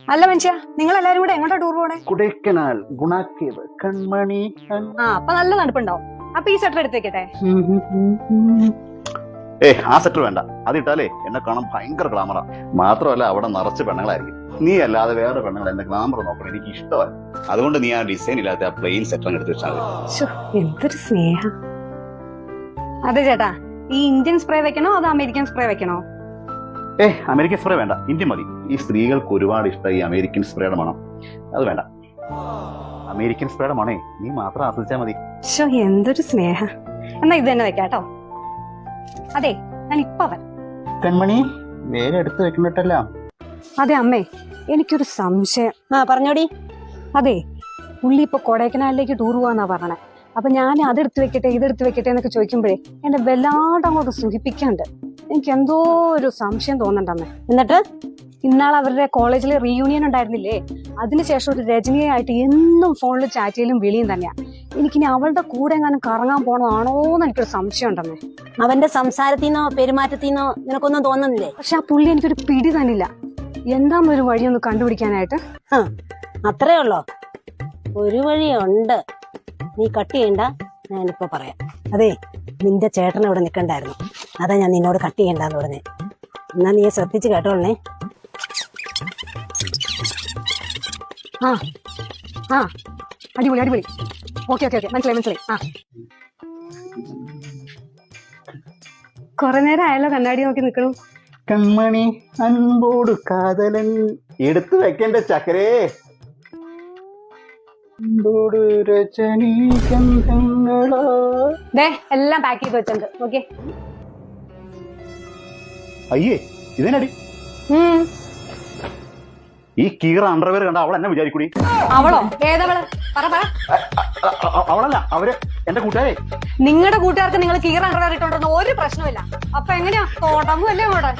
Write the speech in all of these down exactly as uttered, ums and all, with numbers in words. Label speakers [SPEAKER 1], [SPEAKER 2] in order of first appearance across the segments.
[SPEAKER 1] അല്ല മനുഷ്യ, നിങ്ങൾ എല്ലാരും കൂടെ എങ്ങോട്ടാ ടൂർ പോണേ?
[SPEAKER 2] കൊടൈക്കനാൽ ഗുണാക്കേവ് കൺമണി.
[SPEAKER 1] ആ അപ്പൊ നല്ല തണുപ്പുണ്ടാവും. അപ്പൊ ഈ സെറ്റർ എടുത്തേക്കട്ടെ.
[SPEAKER 2] ഏ ആ സെറ്റർ വേണ്ട, അത് ഇട്ടാലേ എന്നെ കാണാൻ ഭയങ്കര ഗ്ലാമറാ. മാത്രമല്ല അവിടെ നിറച്ച് പെണ്ണുങ്ങളായിരിക്കും. നീ അല്ലാതെ വേറെ പെണ്ണുങ്ങൾ എന്റെ ഗ്ലാമർ നോക്കണം എനിക്ക് ഇഷ്ടമല്ല. അതുകൊണ്ട് നീ ആ ഡിസൈൻ ഇല്ലാത്ത ആ പ്ലെയിൻ സെറ്റർ എടുത്ത് വെച്ചാൽ മതി.
[SPEAKER 1] എന്തൊരു സ്നേഹം. അതെ ചേട്ടാ, ഈ ഇന്ത്യൻ സ്പ്രേ വെക്കണോ അതോ അമേരിക്കൻ സ്പ്രേ വെക്കണോ?
[SPEAKER 2] ഏ അമേരിക്കൻ സ്പ്രേ വേണ്ട, ഇന്ത്യൻ മതി. ഈ സ്ത്രീകൾക്ക് ഒരുപാട് ഇഷ്ടം ഈ അമേരിക്കൻ സ്പ്രേയുടെ മണം. അത് വേണ്ട, അമേരിക്കൻ സ്പ്രേയുടെ മണേ നീ മാത്രം ആസ്വദിച്ചാൽ മതി.
[SPEAKER 1] എന്തൊരു സ്നേഹം. എന്നാ ഇത് തന്നെ വെക്കാട്ടോ. അതെ, ഞാൻ ഇപ്പൊ വരാം.
[SPEAKER 2] കൺമണി വേറെ എടുത്ത് വെക്കണ്ടല്ല.
[SPEAKER 1] അതെ അമ്മേ, എനിക്കൊരു സംശയം. ആ പറഞ്ഞോടി. അതെ, പുള്ളി ഇപ്പൊ കൊടൈക്കനാലിലേക്ക് ടൂർ പോവാന്നാ പറഞ്ഞേ. അപ്പൊ ഞാൻ അതെടുത്ത് വെക്കട്ടെ ഇതെടുത്ത് വെക്കട്ടെ എന്നൊക്കെ ചോദിക്കുമ്പോഴേ എന്നെ വല്ലാണ്ട് അങ്ങോട്ട് സുഖിപ്പിക്കാണ്ട് എനിക്ക് എന്തോ ഒരു സംശയം തോന്നണ്ടമ്മേ. എന്നിട്ട് ഇന്നാൾ അവരുടെ കോളേജിലെ റീയൂണിയൻ ഉണ്ടായിരുന്നില്ലേ, അതിനുശേഷം ഒരു രജനിയായിട്ട് എന്നും ഫോണിൽ ചാറ്റ് ചെയ്യലും വിളിയും തന്നെയാ. എനിക്കിനി അവളുടെ കൂടെ എങ്ങാനും കറങ്ങാൻ പോണതാണോന്ന് എനിക്കൊരു സംശയം ഉണ്ടമ്മേ.
[SPEAKER 3] അവന്റെ സംസാരത്തിനോ പെരുമാറ്റത്തിനോ നിനക്കൊന്നും തോന്നുന്നില്ലേ?
[SPEAKER 1] പക്ഷെ ആ പുള്ളി എനിക്കൊരു പിടി തന്നില്ല. എന്താന്നൊരു വഴിയൊന്ന് കണ്ടുപിടിക്കാനായിട്ട്.
[SPEAKER 3] അത്രേ ഉള്ളോ? ഒരു വഴിയുണ്ട്, നീ കട്ട് ചെയ്യണ്ട, ഞാനിപ്പോ പറയാം. അതെ, നിന്റെ ചേട്ടൻ ഇവിടെ നിൽക്കണ്ടായിരുന്നു, അതാ ഞാൻ നിന്നോട് കട്ട് ചെയ്യണ്ടെന്ന് പറഞ്ഞേ. എന്നാ നീ ശ്രദ്ധിച്ച് കേട്ടോളേ.
[SPEAKER 1] ആ ആ അടിപൊളി അടിപൊളി. ഓക്കെ ഓക്കെ ഓക്കെ മനസ്സിലായി മനസ്സിലായി. ആ കൊറേ നേരം ആയല്ലോ കണ്ണാടി നോക്കി നിൽക്കണു.
[SPEAKER 2] കൺമണി അൻപോട് കാതലൻ എടുത്തു വെക്കേണ്ട ചക്കരേ.
[SPEAKER 1] എല്ലാം പാക്ക് ചെയ്ത് വെച്ചിട്ടുണ്ട്. ഓക്കെ.
[SPEAKER 2] അയ്യേ ഇതിനടി ഈ കീറ അണ്ടർവെയർ കണ്ട അവൾ എന്നെ വിചാരിക്കൂടി.
[SPEAKER 1] അവളോ? ഏതവള്? പറ പറ.
[SPEAKER 2] അവളല്ല, അവര് എന്റെ കൂട്ടുകാരെ.
[SPEAKER 1] നിങ്ങളുടെ കൂട്ടുകാർക്ക് നിങ്ങൾ കീറ അണ്ടർവെയർ ഇട്ടോണ്ടെന്ന് ഒരു പ്രശ്നമില്ല. അപ്പൊ എങ്ങനെയാ തുടങ്ങുമല്ലേ അങ്ങോട്ട്?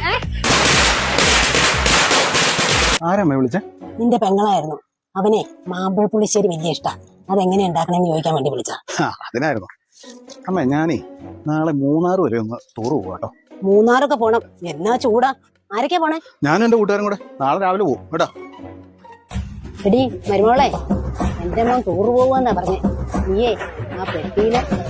[SPEAKER 2] ആരമ്മ വിളിച്ച?
[SPEAKER 3] നിന്റെ പെങ്ങളായിരുന്നു. അവനെ മാമ്പഴ പുളിശ്ശേരി വലിയ ഇഷ്ടാ. അതെങ്ങനെ ഉണ്ടാക്കണമെന്ന് ചോദിക്കാൻ വേണ്ടി വിളിച്ച.
[SPEAKER 2] അതിനായിരുന്നു അമ്മ. ഞാനേ നാളെ മൂന്നാർ വരെ ഒന്ന് ടൂർ പോവാട്ടോ.
[SPEAKER 3] മൂന്നാറൊക്കെ പോണം, എന്നാ ചൂടാ. ആരൊക്കെയാ പോണേ?
[SPEAKER 2] ഞാനും എന്റെ കൂട്ടുകാരും കൂടെ നാളെ രാവിലെ പോകും കേട്ടോ.
[SPEAKER 3] എടി മരുമോളെ, എന്റെ മോൻ ടൂർ പോവാന്നാ പറഞ്ഞേ. നീയേ ആ പെട്ടിയിലെ